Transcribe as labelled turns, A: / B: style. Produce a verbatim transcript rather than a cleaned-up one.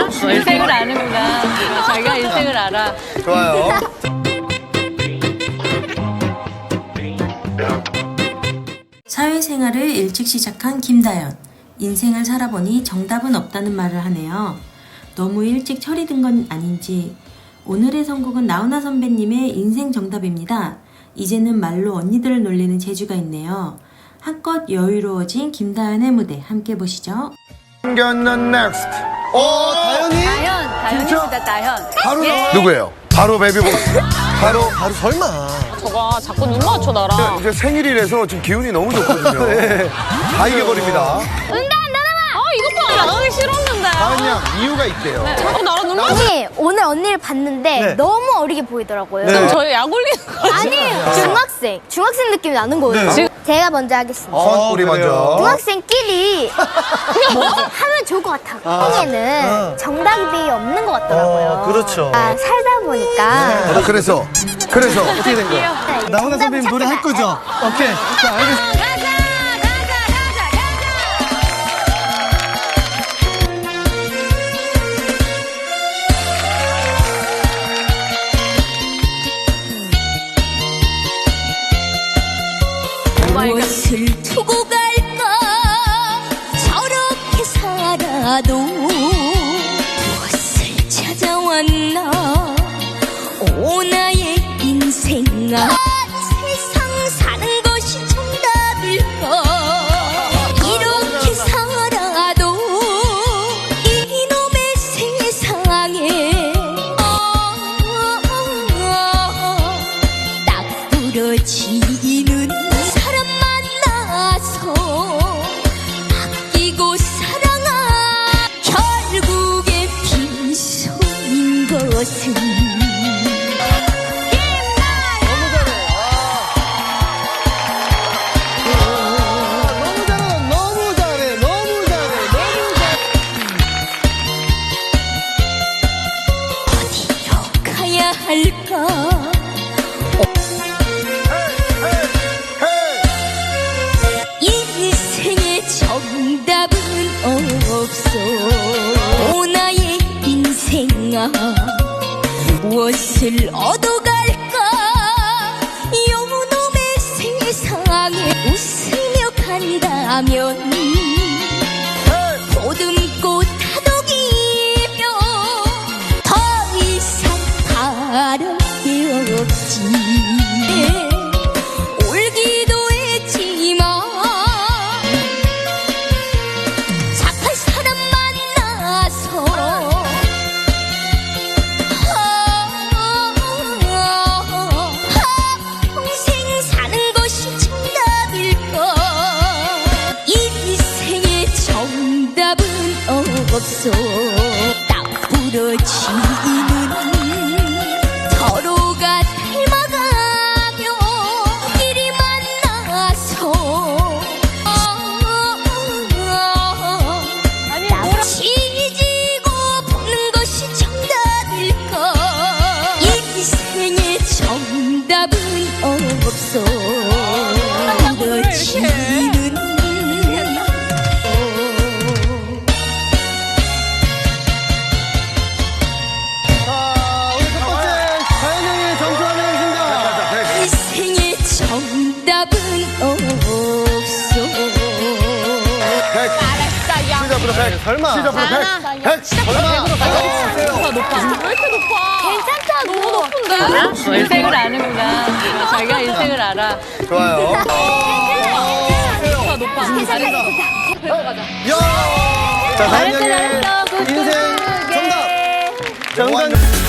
A: 인생을 아는구나. 자기가 인생을 알아.
B: 좋아요.
C: 사회생활을 일찍 시작한 김다연. 인생을 살아보니 정답은 없다는 말을 하네요. 너무 일찍 철이 든 건 아닌지. 오늘의 선곡은 나훈아 선배님의 인생 정답입니다. 이제는 말로 언니들을 놀리는 재주가 있네요. 한껏 여유로워진 김다연의 무대 함께 보시죠.
B: 경는 넥스트.
D: 어, 다현이?
A: 다현, 다현입니다, 다현.
D: 바로 나와.
B: 누구예요? 바로 베이비보. 바로
D: 바로 설마.
A: 저가 자꾸 눈 맞춰, 나랑.
B: 이제 생일이라서 지금 기운이 너무 좋거든요.
D: 네.
B: 다 이겨버립니다.
A: 아, 이것도 안 하기 싫었는데.
B: 다은 양 이유가 있대요.
A: 자꾸 나랑 눈 맞춰.
E: 아니 오늘 언니를 봤는데
D: 네.
E: 너무 어리게 보이더라고요.
D: 네.
A: 저희 약 올리는 거
E: 아니 중학생 중학생 느낌이 나는 거예요.
D: 네.
E: 지금 제가 먼저 하겠습니다.
B: 선 우리 먼저.
E: 중학생끼리 뭐 하면 좋을 것 같아. 한에는 정답이 없는 것 같더라고요.
D: 어, 그렇죠.
E: 아, 살다 보니까
B: 아, 그래서 그래서
D: 어떻게 된 거야?
E: 네,
D: 나훈아 선배님
E: 정답을
D: 노래 할
E: 찾겠다.
D: 거죠? 오케이. 자, 알겠습니다.
A: 가자, 가자, 가자, 가자.
F: 무엇을 두고 갈까 저렇게 살아도 무엇을 찾아왔나 오 나의 인생아 세상 사는 것이 정답일까 이렇게 살아도 이놈의 세상에 딱 부러지는 사람 만나서 아끼고 사랑한 결국에 빈손인 것은
D: 너무 잘해, 너무 잘해, 너무 잘해, 너무 잘해.
F: 어디로 가야 할까 인생의 정답은 없어 오 나의 인생아 무엇을 얻어갈까 요놈의 세상에 웃으며 간다면 보듬고 다독이며 더 이상 바랄 게 없지 울기도 했지만 착한 사람 만나서 평생 사는 것이 정답일까 인생의 정답은 없어 딱 부러지는 서로가 닮아가며 길이 만나서 딱 치지고 보는 것이 정답일까 인생의 정답은 없어 부러지는
D: 자, 우리 첫 번째 다현 형의 점수 확인하겠습니다.
F: 인생의 정답은 없어
B: 백. 시작부터 백.
D: 설마.
B: 시작부터 백. 백.
D: 설마.
A: 높아, 높아. 왜 이렇게 높아? 괜찮다, 너무 높은데? 인생을 아는구나. 자기가 인생을 알아.
B: 좋아요.
A: 높아, 높아. 잘했어.
D: 야! 자, 다현
A: 잘했어,
D: 형의
A: 잘했어. 굿,
D: 인생
A: 굿, 굿.
D: 정답.
A: 예.
D: 정답.